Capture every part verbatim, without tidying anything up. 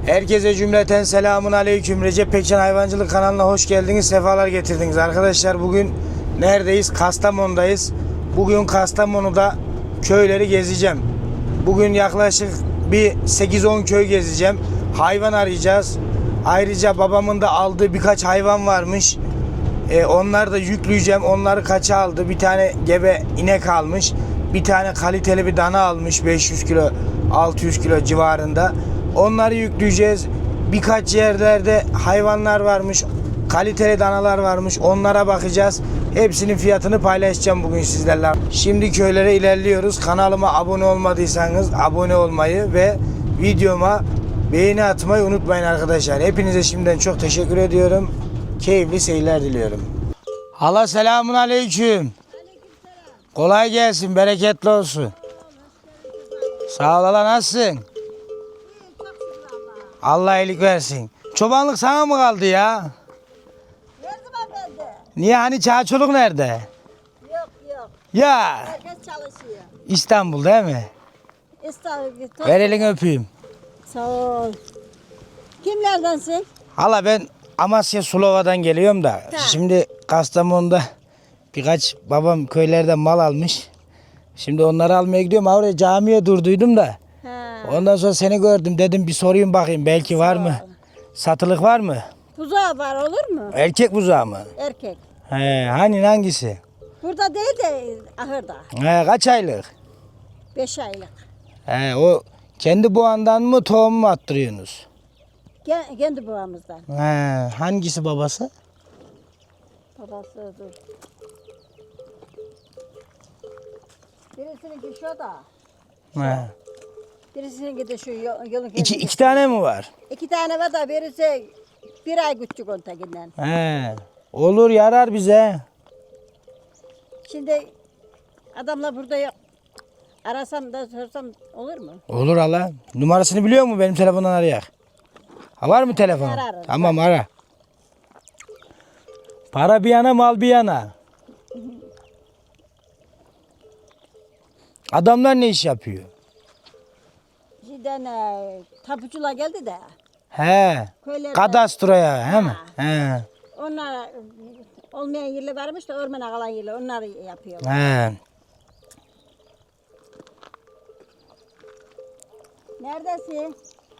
Herkese cümleten selamun aleyküm. Recep Pekcan Hayvancılık kanalına hoş geldiniz, sefalar getirdiniz. Arkadaşlar bugün neredeyiz? Kastamonu'dayız. Bugün Kastamonu'da köyleri gezeceğim. Bugün yaklaşık bir sekiz on köy gezeceğim. Hayvan arayacağız. Ayrıca babamın da aldığı birkaç hayvan varmış. E, onları da yükleyeceğim. Onları kaça aldı? Bir tane gebe inek almış. Bir tane kaliteli bir dana almış. beş yüz kilo, altı yüz kilo civarında. Onları yükleyeceğiz. Birkaç yerlerde hayvanlar varmış. Kaliteli danalar varmış. Onlara bakacağız. Hepsinin fiyatını paylaşacağım bugün sizlerle. Şimdi köylere ilerliyoruz. Kanalıma abone olmadıysanız abone olmayı ve videoma beğeni atmayı unutmayın arkadaşlar. Hepinize şimdiden çok teşekkür ediyorum. Keyifli seyirler diliyorum. Hala selamun aleyküm. Kolay gelsin, bereketli olsun. Sağ ol hala, nasılsın? Allah iyilik versin. Çobanlık sana mı kaldı ya? Verdim efendi. Niye, hani çağçoluk nerede? Yok yok. Ya Herkes çalışıyor. İstanbul değil mi? İstanbul. Ver elini öpeyim. Sağ ol. Kimlerdensin? Hala ben Amasya Sulova'dan geliyorum da. Ha. Şimdi Kastamonu'da birkaç babam köylerden mal almış. Şimdi onları almaya gidiyorum. Oraya camiye durduydum da. Ha. Ondan sonra seni gördüm, dedim bir sorayım bakayım belki var mı? Satılık var mı? Buzağı var, olur mu? Erkek buzağı mı? Erkek. He, hani hangisi? Burada değil de ahırda. He, kaç aylık? Beş aylık. He, o kendi boğandan mı tohum mu attırıyorsunuz? Ke- Kendi babamızdan. He, hangisi babası? Babası dur. Birisininki şu da. He. Birisininki de şu yol- yolun İki, kendisi. iki tane mi var? İki tane var da birisi bir ay küçük ontakinden. He. Olur, yarar bize. Şimdi adamla burada yok. Arasam da sorsam olur mu? Olur hala. Numarasını biliyor mu, benim telefondan arayak? Ha, var mı telefon? Ararım. Tamam, ara. Para bir yana, mal bir yana. Adamlar ne iş yapıyor? Şeyden e, tapucular geldi de. He. Köylerde, Kadastroya, he mi? He. onlar e, olmayan yerler varmış da ormana kalan yerler onları yapıyorlar. He. Neredesin?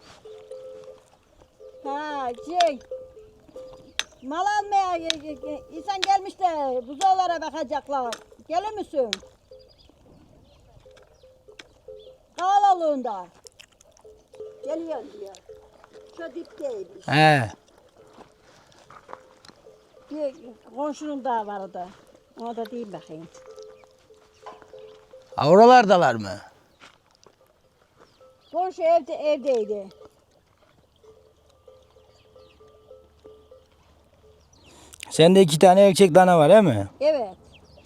Ha şey. Mal almaya e, e, insan gelmiş de buzağlara bakacaklar. Gelir misin? Kavalallığında. Geliyor diyor. Şu dipteymiş. He. Bir komşunun daha vardı. Ona da diyeyim bakayım. Ha, oralardalar mı? Komşu evde evdeydi. Sende iki tane erkek dana var, he mi? Evet.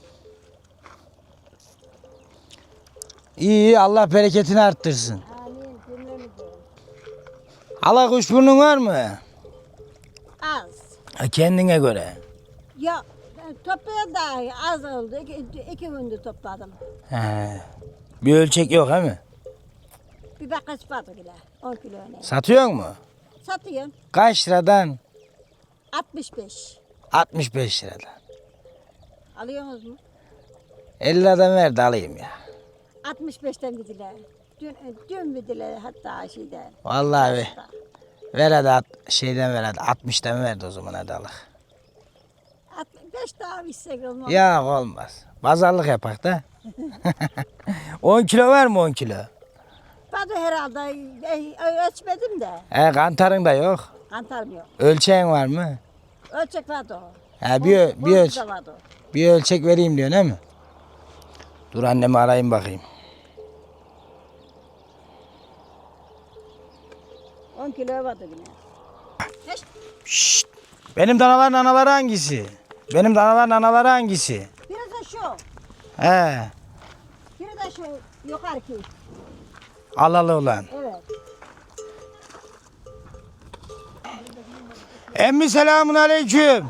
İyi, iyi, Allah bereketini arttırsın. Amin cümlemize. Hala kuşburnun var mı? Az. Ha, kendine göre. Ya ben toplayan da az oldu. İki, iki gündür topladım. He. Bir ölçek yok, he mi? Bir bakaç vardı bile. on kilo ne? Satıyor mu? Satıyorum. Kaç liradan? altmış beş. altmış beş liradan. Alıyorsunuz mu? elli liradan ver de alayım ya. altmış beşten gidiler. Dün, dün gidiler hatta şeyden. Vallahi be. Ver hadi, at- şeyden ver hadi. altmıştan ver de o zaman, hadi Allah. altmış beş daha içsek olmaz. Ya olmaz. Pazarlık yapak da. on kilo var mı, on kilo? Ben de herhalde e, ölçmedim de. He, kantarın da yok. Kantarım yok. Ölçeğin var mı? Ölçek vardı o. He, bir, ö- bir, ölç Komşuda vardı o. bir ölçek vereyim diyorsun, he mi? Dur, annemi arayayım bakayım. on kilo vardı yine. Hiç Şşt. Benim danaların anaları hangisi? Benim danaların anaları hangisi? biri de şu. He. Biri de şu yukarıki. Alalı olan. Evet. Emmi selamun aleyküm.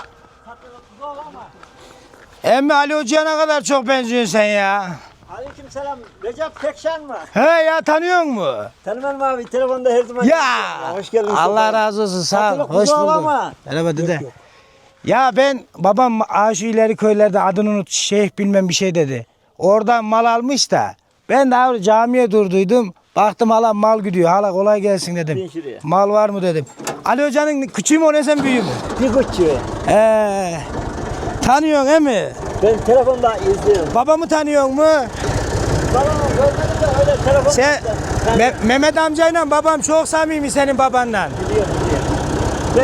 Emmi Ali Hoca'ya ne kadar çok benziyorsun sen ya. Aleyküm selam. Recep Pekşen mi? He ya, tanıyor mu? Tanımam abi. Telefonda her zaman. Ya Hoş geldin. Allah razı olsun, sağ ol. Satılık Hoş buzağı bulduk. ama. Merhaba dede. Yok, yok. Ya ben babam aşı ileri köylerde adını unut, şeyh bilmem bir şey dedi. Oradan mal almış da ben de abi camiye durduydum. Baktım hala mal gidiyor. Hala kolay gelsin dedim. Bin şuraya. Mal var mı dedim. Ali Hoca'nın küçüğü mü o ne, sen büyüğü mü? Bir küçüğü. He. Tanıyorsun he mi? Ben telefonda izliyorum. Babamı tanıyor mu? Babamı görmedim de öyle telefonda. Sen Ben Me- Mehmet amcayla babam çok samimi senin babanla. biliyorum, biliyorum. Ben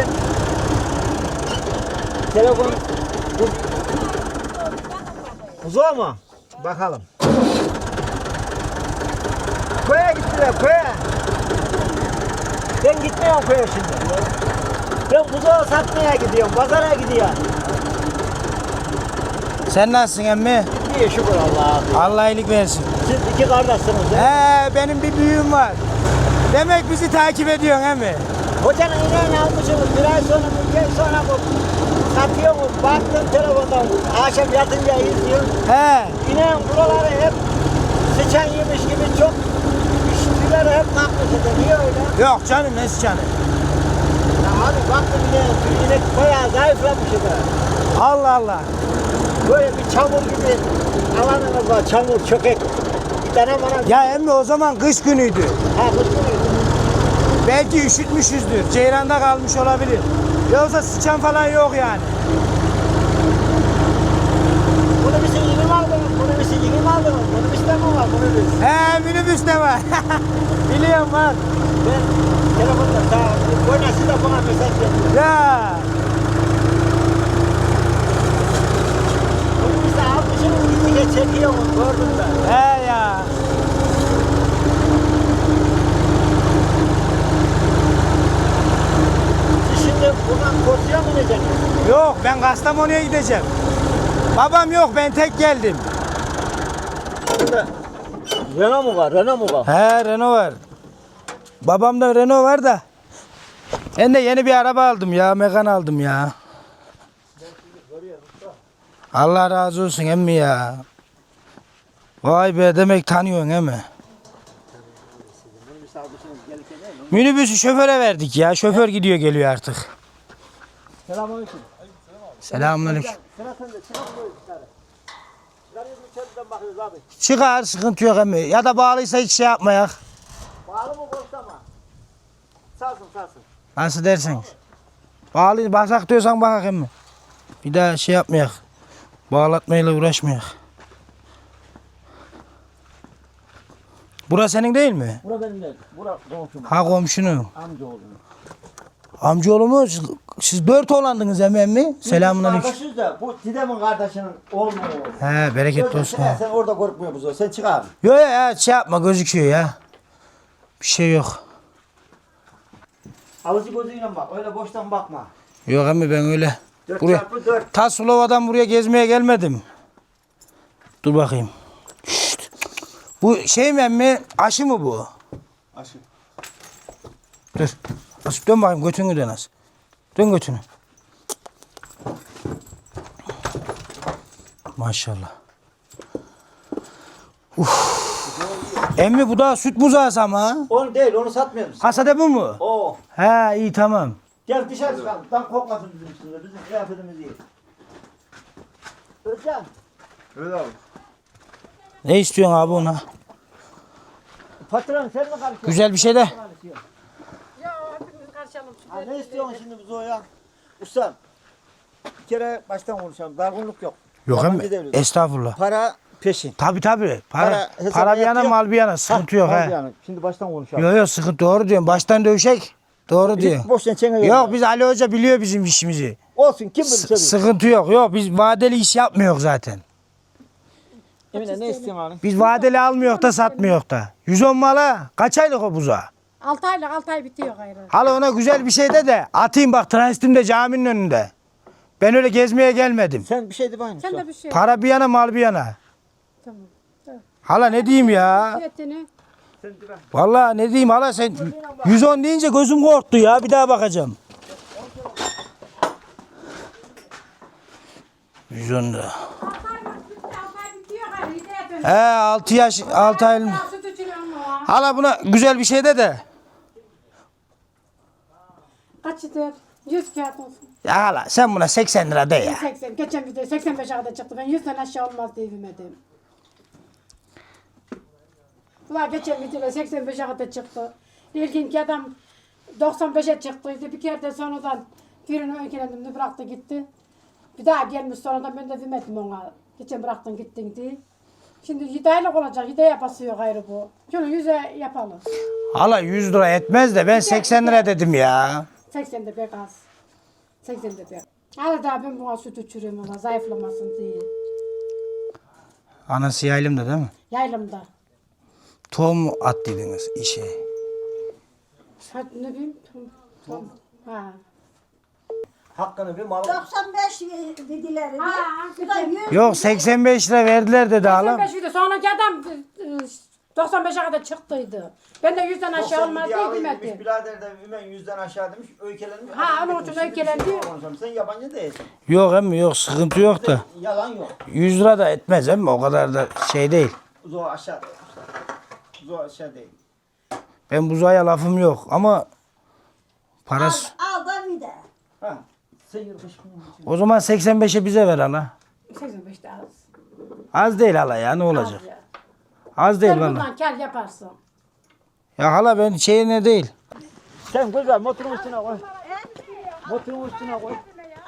telefon bu buzağı mı? Bakalım. Köye gittiler, köye. Ben gitmiyorum köye şimdi. Ben buzağı satmaya gidiyorum, pazara gidiyorum. Sen nasılsın emmi? İyi şükür Allah'a. Allah iyilik versin. Siz iki kardeşsiniz. He? He, benim bir büyüğüm var. Demek bizi takip ediyorsun he mi? Hocanın ineğini almışsınız. Bir ay sonra, bir ay sonra bu satıyor mu? Baktım telefondan. Akşam yatınca izliyorum. He. İneğin buraları hep sıçan yemiş gibi çok üstüleri hep kalkmış. Niye öyle? Yok canım, ne canım. Ya abi baktım ineğe, inek bayağı zayıflamış. Da. Allah Allah. Böyle bir çamur gibi alanınız var. Çamur, çökek. Bir tane bana... Ya emmi o zaman kış günüydü. Ha kutluyor. Belki üşütmüşüzdür. Ceyranda kalmış olabilir. Yoksa sıçan falan yok yani. Bunu bir şey yeni mi aldınız? Bunu bir şey yeni mi aldınız? Bunu bir şey mi var? Bunu bir He, minibüste var. Biliyorum var. Ben telefonda sağ oynasın da bana mesaj veriyor. Ya. Bunu işte almışsınız gittikçe çekiyor mu? Gördüm ben. He ya. Siz şimdi buradan Kosya'ya mı ineceksiniz? Yok, ben Kastamonu'ya gideceğim. Babam yok, ben tek geldim. Burada Renault mu var? Renault mu var? He, Renault var. Babamda Renault var da. Ben de yeni bir araba aldım ya, Megan aldım ya. Allah razı olsun emmi ya. Vay be, demek tanıyorsun emmi. Minibüsü şoföre verdik ya. Şoför gidiyor geliyor artık. Selamünaleyküm. Selamünaleyküm. Sıra sende. Çıkar koy dışarı. Dışarıya bir içeriden bakıyoruz abi. Çıkar, sıkıntı yok emmi. Ya da bağlıysa hiç şey yapmayak. Bağlı mı boşta mı? Salsın salsın. Nasıl dersin? Bağlı, bakak diyorsan bakak emmi. Bir daha şey yapmayak. Bağlatmayla uğraşmayak. Burası senin değil mi? Bura benim değil. Bura komşum. Ha, komşunun. Amcaoğlu. Amcaoğlu mu? Siz, siz dört oğlandınız emmi emmi. Selamünaleyküm. Kardeşiz de bu Didem'in kardeşinin oğlu mu oğlu? He, bereketli Sen, olsun. sen, ha. sen orada korkmuyor musun? Sen çık abi. Yok ya, ya şey yapma, gözüküyor ya. Bir şey yok. Alıcı gözüyle bak. Öyle boştan bakma. Yok emmi, ben öyle. Dört Buraya, çarpı dört. Taslova'dan buraya gezmeye gelmedim. Dur bakayım. Şşt. Bu şey mi emmi? Aşı mı bu? Aşı. Dur. Nasip dön bakayım, götünü dön az. Dön götünü. Maşallah. Uf. Emmi bu da süt buzağısı ama ha. Onu değil, onu satmıyor musun? Kasada bu mu? Oo. He, iyi tamam. Gel dışarı çıkalım. Tam kokmasın bizim üstünde. Bizim kıyafetimiz iyi. Özcan. Evet abi. Ne istiyorsun abi ona? Patron sen mi karışıyorsun? Güzel bir şey de. Ya hepimiz karşılayalım. Ha, ne istiyorsun şimdi biz o ya? Ustam. Bir kere baştan konuşalım. Dargınlık yok. Yok Yabancı emmi. devlet. Estağfurullah. Para peşin. Tabi tabi. Para, Para para, hesaba bir yana yatıyor. mal bir yana. Sıkıntı yok Ha, he. yani. Şimdi baştan konuşalım. Yok yok, sıkıntı, doğru diyorsun. Baştan dövüşek. Doğru diyor. Hiç boşuna çene Yok, biz Ali Hoca biliyor bizim işimizi. Olsun kim bilir S- tabii. sıkıntı yok. Yok, biz vadeli iş yapmıyoruz zaten. Emine ne istiyorsun abi? Biz vadeli almıyor da satmıyor da. yüz on mala kaç aylık o buzağı? altı aylık altı ay bitiyor gayrı. Hala ona güzel bir şey de de atayım bak, transitimde caminin önünde. Ben öyle gezmeye gelmedim. Sen bir şey de bakayım. Sen Sen de bir şey. Para bir yana, mal bir yana. Tamam. Hala ne diyeyim ya? Fiyatını. Vallahi ne diyeyim hala, sen yüz on deyince gözüm korktu ya. Bir daha bakacağım. yüz on lira. altı aylık bitti, altı ay bitiyor gayrı. Hidayet He altı yaş altı ay. Süt içiriyorum o. Hala buna güzel bir şey de de. Kaç eder? yüz kağıt olsun. Ya hala sen buna seksen lira de ya. seksen. Geçen bir de seksen beşe kadar çıktı. Ben yüzden aşağı olmaz diye bilmedim. Ulan geçen bir de seksen beşe kadar çıktı. İlkinki adam doksan beşe çıktıydı. Bir kere de sonradan birini öykülendim bıraktı gitti. Bir daha gelmiş sonradan ben de bilmedim ona. Geçen bıraktın gittin diye. Şimdi yedi aylık olacak. yedi aya basıyor gayrı bu. Şunu yüze yapalım. Hala yüz lira etmez de ben seksen lira dedim ya. seksen de pek az. seksen de pek. Hala daha ben buna süt içiriyorum ona zayıflamasın diye. Anası yaylımda değil mi? Yaylımda. Tohum mu attıydınız işe? Hadi ne bileyim. Tom, tom. Ha. Hakkını bir mal. doksan beş dediler. Ha, Bu da yüz. Yok seksen beş lira verdiler dedi hala. seksen beş idi. Sonraki adam e, doksan beşe kadar çıktıydı. Ben de yüzden aşağı olmaz diye bilmedim. Birader de Ümen yüzden aşağı demiş. Öykelendi. Ha, onun için öykelendi. Sen yabancı değilsin. Yok emmi yok sıkıntı yok da. Yalan yok. yüz lira da etmez emmi o kadar da şey değil. Zo aşağı değil. Zo aşağı değil. Ben buzaya lafım yok ama Al, parası. al da bir de. Ha. Sen yırtış bunu. O zaman seksen beşe bize ver hala. seksen beşte az. Az değil hala ya ne olacak? Az ya. Az değil Sen valla. bundan kar yaparsın. Ya hala ben şeyine değil. Sen güzel motorun üstüne koy. Motorun üstüne koy.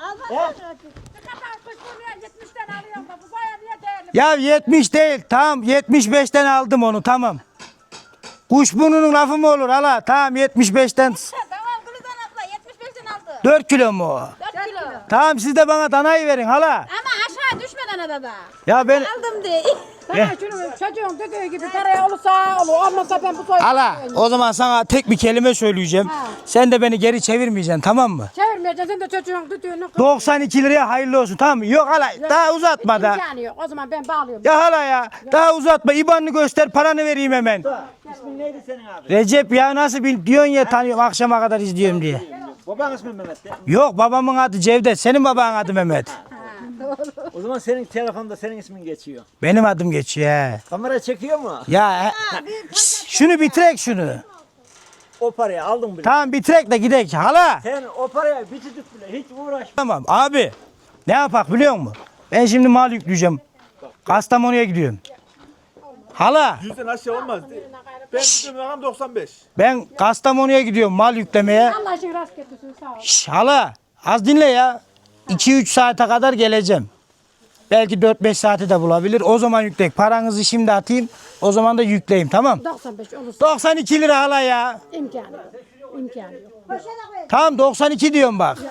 Ya yetmiş değil tamam yetmiş beşten aldım onu tamam. Kuşburnunun lafı mı olur hala tamam yetmiş beşten Tamam Gülizan abla yetmiş beşten aldı. dört kilo mu o? dört kilo. Tamam siz de bana danayı verin hala. Ama aşağı düşmeden adada. Ya ben Aldım diye. Sana şunu çocuğun dediği gibi paraya olursa olur. Olmazsa ben bu soy... hala o zaman sana tek bir kelime söyleyeceğim. Ha. Sen de beni geri çevirmeyeceksin tamam mı? Çevirmeyeceksin sen de çocuğun düdüğünü... doksan iki liraya hayırlı olsun tamam mı? Yok hala daha uzatma da. İmkanı yok. O zaman ben bağlıyorum. Ya hala ya daha uzatma İban'ını göster paranı vereyim hemen. İsmin neydi senin abi? Recep ya nasıl bil diyorsun ya tanıyorum akşama kadar izliyorum diye. Baban ismi Mehmet'ti. Yok babamın adı Cevdet senin babanın adı Mehmet. O zaman senin telefonda senin ismin geçiyor. Benim adım geçiyor he. Kamera çekiyor mu? Ya he- Şşş, şunu bitirek şunu. O parayı aldın bile. Tamam bitirek de gidek hala. Sen o paraya bitirdik bile hiç uğraşma. Tamam abi ne yapak biliyor musun? Ben şimdi mal yükleyeceğim. Kastamonu'ya gidiyorum. Hala Yüzden aşağı olmaz. Ben gidiyorum rakam doksan beş. ben Kastamonu'ya gidiyorum mal yüklemeye. Allah için rast getirsin sağ ol. Şş, hala az dinle ya. iki üç saate kadar geleceğim. Belki dört beş saati de bulabilir. O zaman yükleyek. Paranızı şimdi atayım. O zaman da yükleyeyim tamam. doksan beş olursa doksan iki lira hala ya. imkanı yok. İmkanı yok. Tamam doksan iki diyorum bak.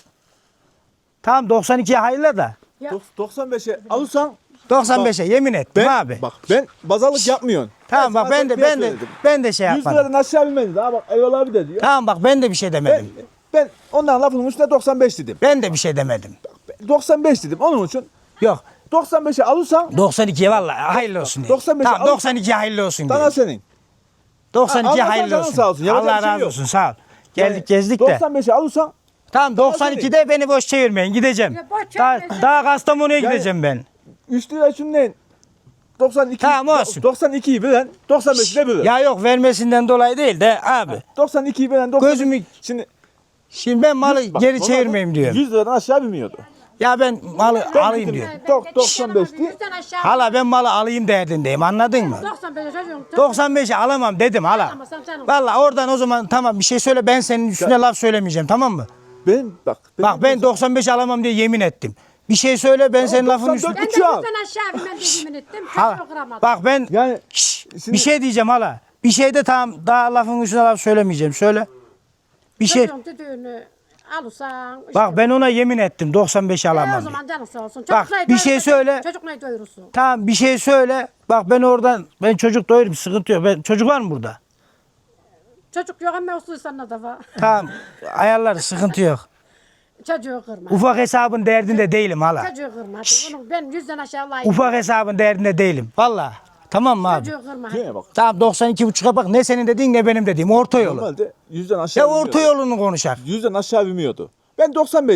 Tamam doksan ikiye hayırlı da. doksan beşe alırsan doksan beşe yemin ettim ben abi. bak ben bazalık yapmıyorsun. Tamam bak ben de ben de ben de şey yüz yapmadım. liradan aşağı binmedi daha bak Eyvallah abi de diyor. Tamam bak ben de bir şey Ben, demedim. ben ondan lafının üstüne doksan beş dedim. Ben de bir şey demedim. doksan beş dedim onun için Yok doksan beşe alırsan doksan ikiye vallahi hayırlı olsun diye. doksan beşe Tamam al- doksan ikiye hayırlı olsun diye. sana senin. doksan ikiye Ha, hayırlı Allah'tan olsun. sağ olsun, yapacak Allah bir şey razı yok. olsun sağ ol. Geldik Yani gezdik de. doksan beşe alırsan Tamam doksan ikide beni boş çevirmeyin gideceğim. Ya boş Daha, çevirmesin. daha Kastamonu'ya Yani- gideceğim ben. üç lira şundan doksan iki Tamam, olsun. doksan ikiyi bilen doksan beşi de bilir. Ya yok vermesinden dolayı değil de abi. doksan ikiyi bilen doksan Gözümü şimdi şimdi ben malı bak, geri normalde çevirmeyeyim diyorum. yüz liradan aşağı binmiyordu. Ya ben malı Ben alayım gittim. diyorum. Dok- doksan beş değil. Yüzden aşağı. Hala ben malı alayım derdindeyim anladın mı? doksan beş çocuğum. doksan beşe alamam dedim hala. Alamazsam sen ol. Vallahi oradan o zaman tamam bir şey söyle ben senin üstüne laf söylemeyeceğim tamam mı? Ben bak. Bak ben doksan beş alamam diye yemin ettim. Bir şey söyle ben senin lafın doksan üstüne. dört Ben de Uçağı al. yüzden aşağı ben de yemin ettim. Hala, Çocuğu kıramadım. bak ben yani Şşş, şimdi- bir şey diyeceğim hala. Bir şey de tamam daha lafın üstüne laf söylemeyeceğim. Söyle. Bir şey. Çocuğun düdüğünü alırsan. işte- Bak ben ona yemin ettim doksan beş E, alamam o diye. zaman canın sağ olsun. Bak, Çocuk neyi bir şey doyurursa- söyle. Çocuk neyi doyurursun? Tamam bir şey söyle. Bak ben oradan ben çocuk doyurum sıkıntı yok. Ben, çocuk var mı burada? Çocuk yok ama usulsan da var. Tamam ayarlar sıkıntı yok. Çocuğu kırma. Ufak hesabın derdinde değilim hala. Çocuğu kırma. Onu ben yüzden aşağı layık. Ufak hesabın derdinde değilim. Valla. Tamam mı abi? Çocuğu kırma. Şuraya bak. Tamam doksan iki buçuğa bak ne senin dediğin ne benim dediğim orta yolu. Normalde yüzden aşağı Ya binmiyordu. orta yolunu konuşak. Yüzden aşağı binmiyordu. Ben doksan beş dedim.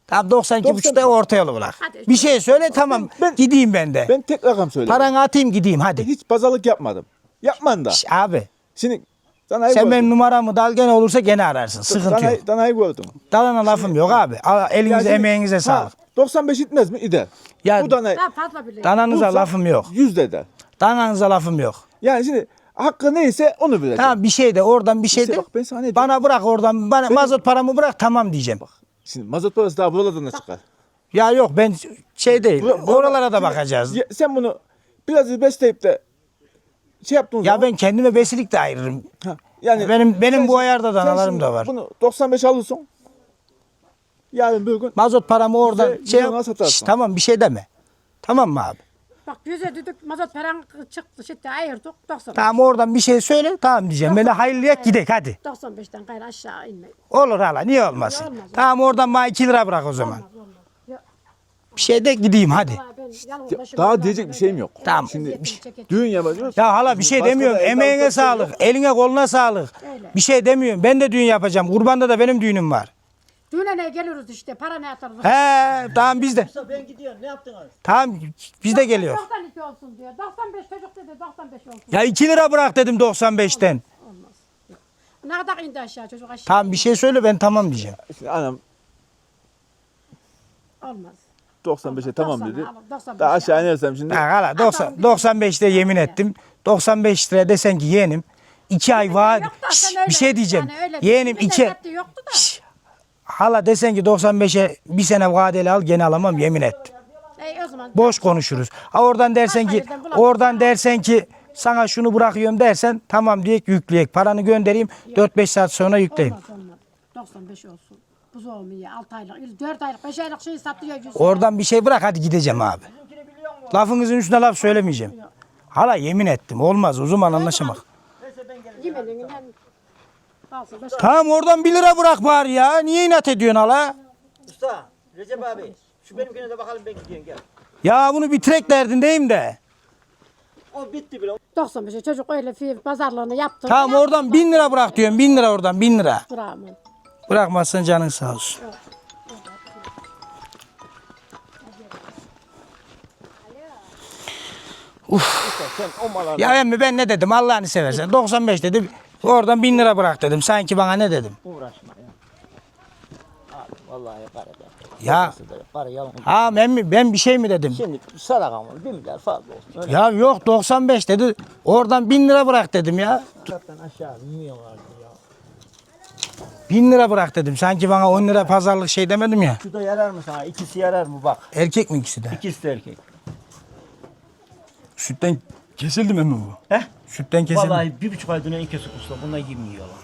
Tamam doksan iki buçukta orta yolu bırak. Hadi. Bir şey söyle tamam Ben- gideyim ben de. Ben tek rakam söyleyeyim. Paranı atayım gideyim hadi. Hiç pazarlık yapmadım. Yapman da. Şş, abi Şimdi danayı sen gördüm. benim numaramı dal gene olursa gene ararsın. Sıkıntı yok. Danayı, danayı gördüm. Dalana lafım yok abi. Al, elinize Yani emeğinize ha, sağlık. doksan beş itmez mi? İder. Ya Bu danayı Daha fazla bile. dananıza bulsam lafım yok. yüz de eder. Dananıza lafım yok. Yani şimdi hakkı neyse onu bileceğim. Tamam bir şey de oradan bir şey İşte de. bak ben sana ne diyorum? Bana bırak oradan bana Senin- mazot paramı bırak tamam diyeceğim. Şimdi mazot parası daha buralardan da çıkar. Ya yok ben şey değil. Bura- bura- Oralara da şimdi- bakacağız. Ya sen bunu biraz besleyip de şey yaptığın Ya zaman. ben kendime besilik de ayırırım. Ha, yani Benim- benim sen bu şimdi- ayarda sen danalarım şimdi da var. Bunu doksan beş alırsın. Yarın bir gün Mazot paramı oradan Bize- şey bize ona satarsın. Şş, tamam bir şey deme. Tamam mı abi? Bak yüze düdük mazot paran çıktı şimdi ayırdık doksan. Tamam oradan bir şey söyle tamam diyeceğim. Beni hayırlıya gidek hadi. doksan beşten gayrı aşağı inmeyin. Olur hala niye olmasın? Olmaz, olmaz. Tamam oradan bana iki lira bırak o zaman. Olmaz olmaz. Ya, Bir şey de gideyim hadi. vallahi ben yalnız başıma daha kaldım. diyecek bir şeyim yok. Tamam. Şimdi Çekeceğim. düğün yapacağız. Ya hala bir şey Başka demiyorum. da evde Emeğine alacak şey sağlık. yok. Eline koluna sağlık. Öyle. Bir şey demiyorum. Ben de düğün yapacağım. Kurbanda da benim düğünüm var. Düğüne ne geliyoruz işte para ne atarız. He tamam biz de. Ben gidiyorum. Ne yaptın abi? Tamam biz de geliyor. doksan iki olsun diyor. doksan beş çocuk dedi doksan beş olsun. Ya iki lira bırak dedim doksan beşten. Ne kadar indi aşağı çocuk aşağı. Tamam bir şey söyle ben tamam diyeceğim. Şimdi anam Olmaz. doksan beşe tamam doksan dedi. al, doksan beş Daha al. aşağı inersem şimdi. Ha, hala doksan, doksan beşte yemin ettim. doksan beş liraya desen ki yeğenim. iki ay vaat. Yok da Şş, sen öyle- bir şey diyeceğim. yani öyle- Yeğenim bir iki. lezzeti yoktu da. Şş, hala desen ki doksan beşe bir sene vadeli al gene alamam yemin ettim. Ey o zaman. Boş konuşuruz. Ha oradan dersen ki yerden bulamam. oradan dersen ki sana şunu bırakıyorum dersen tamam diyek yükleyek. Paranı göndereyim dört beş saat sonra yükleyeyim. Olmaz olmaz. doksan beş olsun. Buzdolabı iyi altı aylık, dört aylık, beş aylık şey satıyor. yüz. Oradan bir şey bırak hadi gideceğim abi. Lafınızın üstüne laf söylemeyeceğim. Hala yemin ettim olmaz o zaman anlaşamak. Yemeğinden kalsın. Başka. Tamam oradan bir lira bırak bari ya. Niye inat ediyorsun hala? Usta, Recep abi. Şu benimkine de bakalım ben gidiyorum gel. Ya bunu bitirek derdindeyim de. O bitti bile. doksan beşe çocuk öyle fi- pazarlığını yaptı. Tamam oradan bin lira bırak diyorum. Bin lira oradan bin lira. Bravo. Bırakmazsan canın sağ olsun. Sen o mala Ya emmi ben ne dedim Allah'ını seversen. doksan beş dedim. Oradan bin lira bırak dedim. Sanki bana ne dedim. Uğraşma ya. Abi vallahi para da. Ya Para yalan. ha emmi ben bir şey mi dedim? Şimdi sadakam var. Bir milyar fazla olsun. Öyle Ya yok doksan beş dedi. Oradan bin lira bırak dedim ya. zaten aşağı bilmiyorlardı ya. Bin lira bırak dedim. Sanki bana on lira pazarlık şey demedim ya. Şu da yarar mı sana? İkisi yarar mı bak. Erkek mi ikisi de? İkisi de erkek. Sütten kesildi mi bu? He? Sütten kesildi. Vallahi bir buçuk ay dönen ikisi usta. Bunlar yemiyorlar.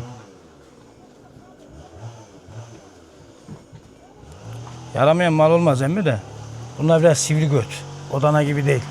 Yaramayan mal olmaz emmi de. Bunlar biraz sivri göt. Odana gibi değil.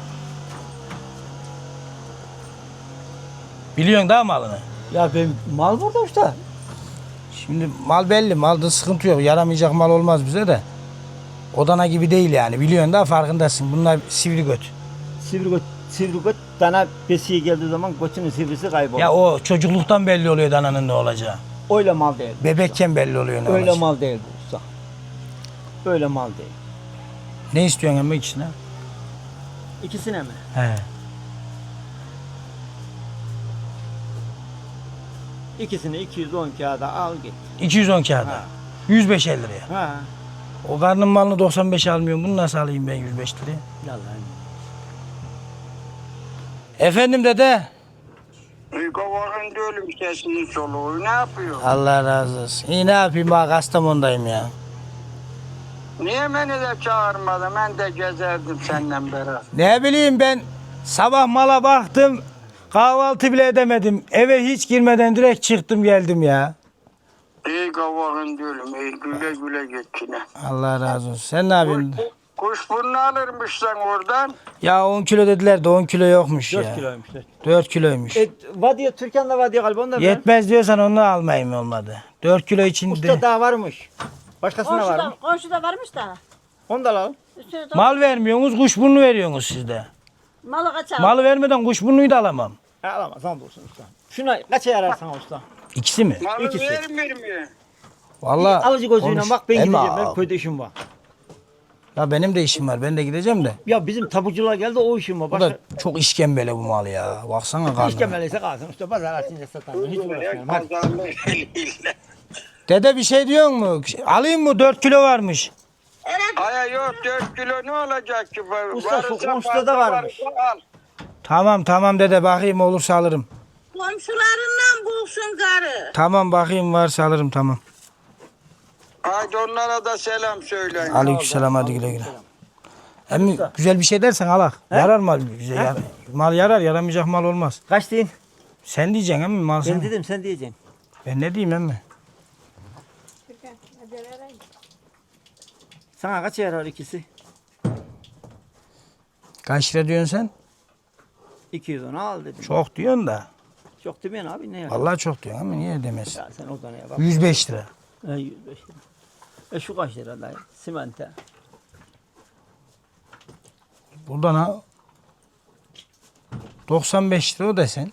Biliyorsun daha malını. Ya ben mal burada usta. Şimdi mal belli. Malda sıkıntı yok. Yaramayacak mal olmaz bize de. Odana gibi değil yani. Biliyorsun daha farkındasın. Bunlar sivri göt. Sivri göt, sivri göt dana besiye geldiği zaman götünün sivrisi kayboluyor. Ya o çocukluktan belli oluyor dananın ne olacağı. Öyle mal değil. Bebekken belli oluyor ne Öyle olacağı. mal değil bu usta. Öyle mal değil. Ne istiyorsun emmi ikisine? İkisine mi? He. İkisini iki yüz on kağıda al git. iki yüz on kağıda. Ha. yüz beş liraya. Ha. O karnın malını doksan beşe almıyorum. Bunu nasıl alayım ben yüz beş liraya? Yalan. Efendim dede. Kavakın diyorum sesini soluğu ne yapıyor? Allah razı olsun. İyi ne yapayım bak Kastamonu'dayım ya. Niye beni de çağırmadın? Ben de gezerdim senden beraber. Ne bileyim ben sabah mala baktım. Kahvaltı bile edemedim. Eve hiç girmeden direkt çıktım geldim ya. İyi kavakın diyorum. İyi güle güle geçine. Allah razı olsun. Sen ne yapıyorsun? Kuşburnu alırmışsan oradan. Ya on kilo dediler de on kilo yokmuş ya. dört kiloymuş. dört kiloymuş. E, vadiye, Türkan'da vadiye galiba onu da ver. Yetmez diyorsan onu almayayım olmadı. dört kilo içinde. Usta daha varmış. Başkasına var Komşuda, mı? komşuda varmış da. Onu da alalım. Üstüne de Mal vermiyorsunuz, kuşburnu veriyorsunuz sizde. malı kaçar. Malı vermeden kuşburnuyu da alamam. Ha, alamaz. Onu da olsun usta. Şuna kaça yarar sana usta? İkisi mi? Malı İkisi. vermiyor mu? Vallahi Alıcı gözüyle konuş- bak ben Emmi, gideceğim. Benim aa, köyde işim var. Ya benim de işim var. Ben de gideceğim de. Ya bizim tapucular geldi o işim var. Bu Başka da çok işkembele bu mal ya. Baksana karnına. işkemeliyse kalsın. İşte pazar açınca satarım. Hiç uğraşmıyorum. Hadi. Dede bir şey diyor mu? Alayım mı? dört kilo varmış. Aya yok dört kilo ne olacak ki? Usta, şu Varsa komşuda fazla da varmış. varsa al. Tamam tamam dede bakayım olursa alırım. Komşularından bulsun karı. Tamam bakayım varsa alırım tamam. Haydi onlara da selam söyleyin. Aleykümselam hadi güle güle. Emmi güzel bir şey dersen alak. Yarar mal bize. Yar, mal yarar yaramayacak mal olmaz. Kaç deyin? Sen diyeceksin emmi mal Ben sen. dedim sen diyeceksin. Ben ne diyeyim emmi? Sana kaç yarar ikisi? Kaç lira diyorsun sen? iki yüz on al dedim. Çok diyorsun da. Çok demeyin abi ne ya? Vallahi çok diyorsun ama niye demezsin? Ya sen oradan ya bak. yüz beş lira. E, yüz beş lira. E şu kaç lira dayı? Simente. Buradan ha doksan beş lira o desen.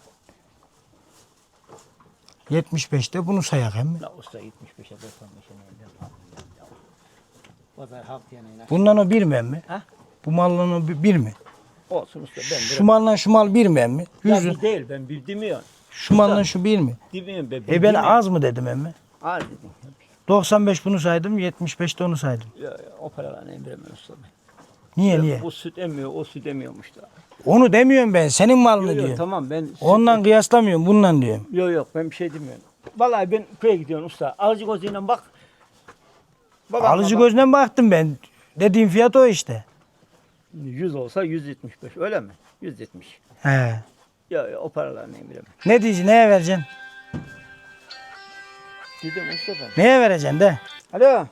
yetmiş beşte bunu sayak emmi. La usta yetmiş beşe doksan beşe ne yapayım ya? Pazar haftaya neyle? Bundan o bir mi emmi? Ha? Bu malla o bir bir mi? Olsun usta ben Şu malla şu mal bir mi emmi? Ya Yüz bir lira. değil ben bir demiyorum. Şu malla şu bir mi? Demiyorum ben. E ben demiyorum. az mı dedim emmi? Az dedim. doksan beş bunu saydım, yetmiş beş de onu saydım. Ya, ya o paralarını emremem usta ben. Niye Ya, niye? O süt emmiyor, o süt emiyormuş da. Onu demiyorum ben, senin malını Yok yok diyorum. tamam ben süt- Ondan kıyaslamıyorum, bundan diyorum. Yok yok ben bir şey demiyorum. Vallahi ben köye gidiyorum usta. Alıcı gözüyle bak. Babama Alıcı bak. gözünden baktım ben. Dediğim fiyat o işte. yüz olsa yüz yetmiş beş öyle mi? yüz yetmiş. He. Ya, ya o paralarını emremem. Ne diyeceksin, neye vereceksin? Dedim usta ben. Neye vereceksin de? Alo.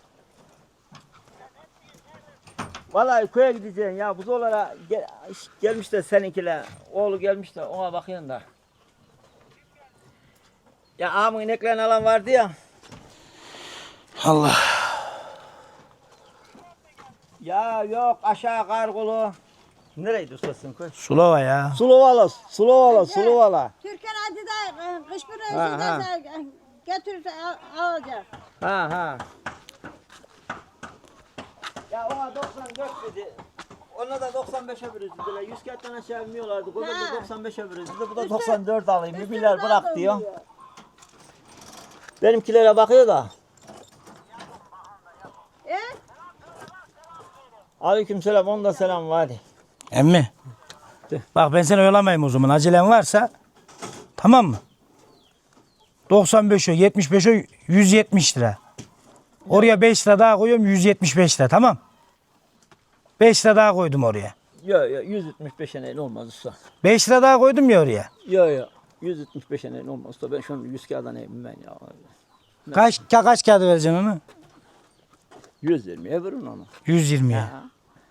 Vallahi köye gideceksin ya buzolara gel, gelmiş de seninkiler. Oğlu gelmiş de ona bakıyorsun da. Ya ağamın ineklerini alan vardı ya. Allah. Ya yok aşağı Kargulu. Nereydi ustasın köy? Sulova ya. Suluvala, Suluvala, Suluvala. Türkan hadi de e, kış bir Ha, ha. önceden götürürse al- alacak. Ha ha. Ya ona doksan dört dedi. Ona da doksan beşe verirdiler. yüz kağıttan aşağı vermiyorlardı. O da Ha. doksan beşe verirdi. Bu da Üstü- doksan dört alayım. Bir Üstüne milyar bırak aldım diyor. Benimkilere bakıyor da. E? Aleykümselam, onda selam var. Emmi. De. Bak ben seni oyalamayayım o zaman. Acelen varsa tamam mı? doksan beş o, yetmiş beş o, yüz yetmiş lira. Oraya beş lira daha koyuyorum, yüz yetmiş beş lira tamam. beş lira daha koydum oraya. Yok yok yüz yetmiş beşe neyle olmaz usta. beş lira daha koydum ya oraya. Yok yok yüz yetmiş beşe neyle olmaz usta. Ben şunu yüz kağıda neyim ben ya. Kaç ka, kaç kağıdı vereceksin onu? yüz yirmiye verin onu. yüz yirmiye. Ha.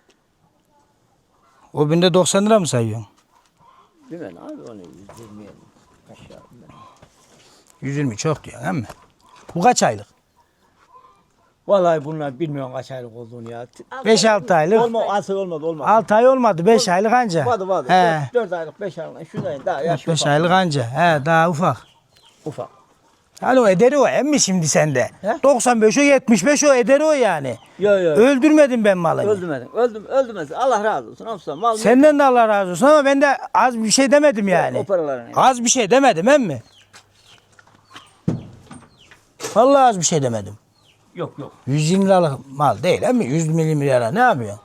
O binde doksan lira mı sayıyorsun? Bilmem abi onu yüz yirmiye aşağı. bilmem. yüz yirmi çok diyorsun değil mi? Bu kaç aylık? Vallahi bunlar bilmiyorum kaç aylık olduğunu ya. beş altı aylık. Olma, asıl olmadı olmadı. altı ay olmadı, beş aylık anca. Vardı vardı. He. dört aylık, beş aylık. Şundan daha yaş beş ufak. aylık anca. He daha ufak. Ufak. Hani o ederi o emmi şimdi sende. He? doksan beş o, yetmiş beş o ederi o yani. Yok yok. Öldürmedim ben malını. Öldürmedin. Öldüm, öldürmez. Allah razı olsun. Olsun. Mal Senden de Allah razı olsun ama ben de az bir şey demedim yani. O paralarını. Az bir şey demedim emmi. Vallahi az bir şey demedim. Yok yok. yüz yirmi liralık mal değil emmi. yüz milyon lira ne yapıyorsun?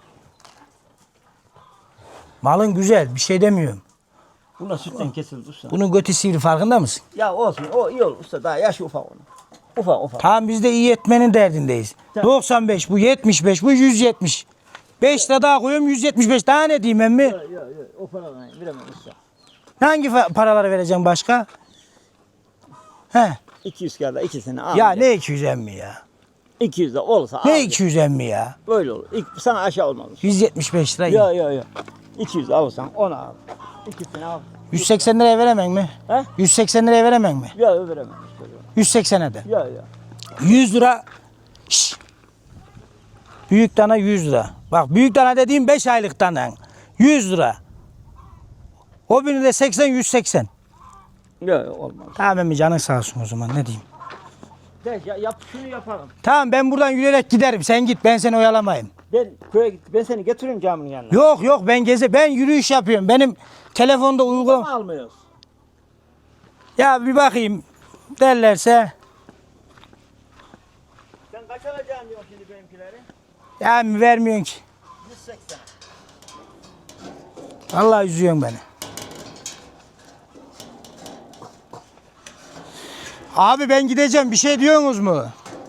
Malın güzel bir şey demiyorum. Bunlar sütten kesildi usta. Bunun götü sivri farkında mısın? Ya olsun. O iyi olur usta. Daha yaşı ufak onun. Ufak ufak. Tamam biz de iyi etmenin derdindeyiz. Tamam. doksan beş bu, yetmiş beş bu, yüz yetmiş. beş lira daha koyuyorum, yüz yetmiş beş. Daha ne diyeyim emmi? Yok yok yok. O paralarını veremem usta. Hangi fa- paraları vereceğim başka? He. iki yüz kağıda ikisini al. Ya ne iki yüz emmi ya? iki yüz de olsa al. Ne iki yüz emmi ya? Böyle olur. İlk, sana aşağı olmaz. yüz yetmiş beş lira. Yok yok yok. iki yüz alırsan onu al. İkisini al. yüz seksen liraya veremem mi? He? yüz seksen liraya veremem mi? Yok veremem usta. Yok yüz seksene de. yok. Yok. yüz lira. Şşş. Büyük dana yüz lira. Bak büyük dana dediğim beş aylık dana. yüz lira. O birini de seksen, yüz seksen. Yok yok olmaz. Tamam emmi canın sağ olsun o zaman ne diyeyim. De, ya, yap şunu yapalım. Tamam ben buradan yürüyerek giderim. Sen git ben seni oyalamayayım. Ben köye git. Ben seni getiririm caminin yanına. Yok yok ben geze ben yürüyüş yapıyorum. Benim telefonda Ama uygulama. almıyoruz. Ya bir bakayım derlerse Sen kaç alacaksın diyorsun şimdi benimkileri? ya mi vermiyorsun ki. yüz seksen. Allah üzüyorsun beni. Abi ben gideceğim. Bir şey diyorsunuz mu?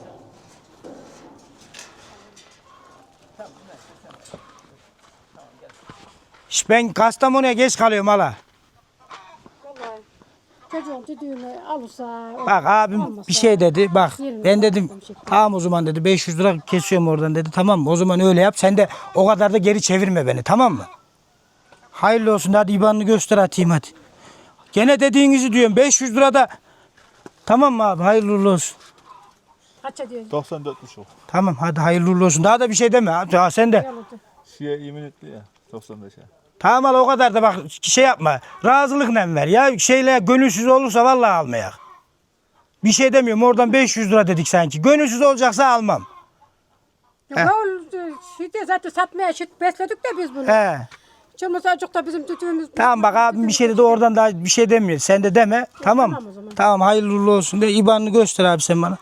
Şş, ben Kastamonu'ya geç kalıyorum hala. Vallahi çocuğun düdüğünü alırsa... Bak abim olmasa- bir şey dedi. Bak Yerini ben dedim bıraktım şekli. tamam o zaman dedi beş yüz lira kesiyorum oradan dedi. Tamam mı? O zaman öyle yap. Sen de o kadar da geri çevirme beni. Tamam mı? Hayırlı olsun. Hadi I B A N'ını göster atayım hadi. Gene dediğinizi diyorum. beş yüz lira da tamam mı abi? Hayırlı uğurlu olsun. Kaç ediyorsun? doksan dörtmüş o. Tamam hadi hayırlı uğurlu olsun. Daha da bir şey deme. Hadi, ha, sen de. Yalıdı. Şeye yemin etti ya. doksan beşe. Tamam hala o kadar da bak şey yapma. Razılıkla ver ya. Şeyle gönülsüz olursa vallahi almayak. Bir şey demiyorum. Oradan beş yüz lira dedik sanki. Gönülsüz olacaksa almam. Heh. Ya şimdi zaten satmaya şit besledik de biz bunu. He. Çılmasa azıcık da bizim düdüğümüz... Tamam bak abim bir şey dedi oradan daha bir şey demiyor. Sen de deme. Tamam. tamam o zaman. Tamam hayırlı uğurlu olsun de. I B A N'ını göster abi sen bana.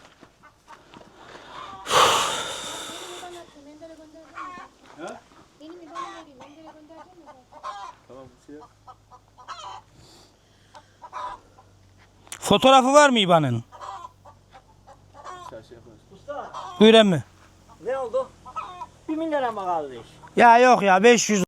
Fotoğrafı var mı I B A N'ın? Usta Buyur emmi. ne oldu? Bir milyara mı kaldı iş? Ya yok ya beş yüz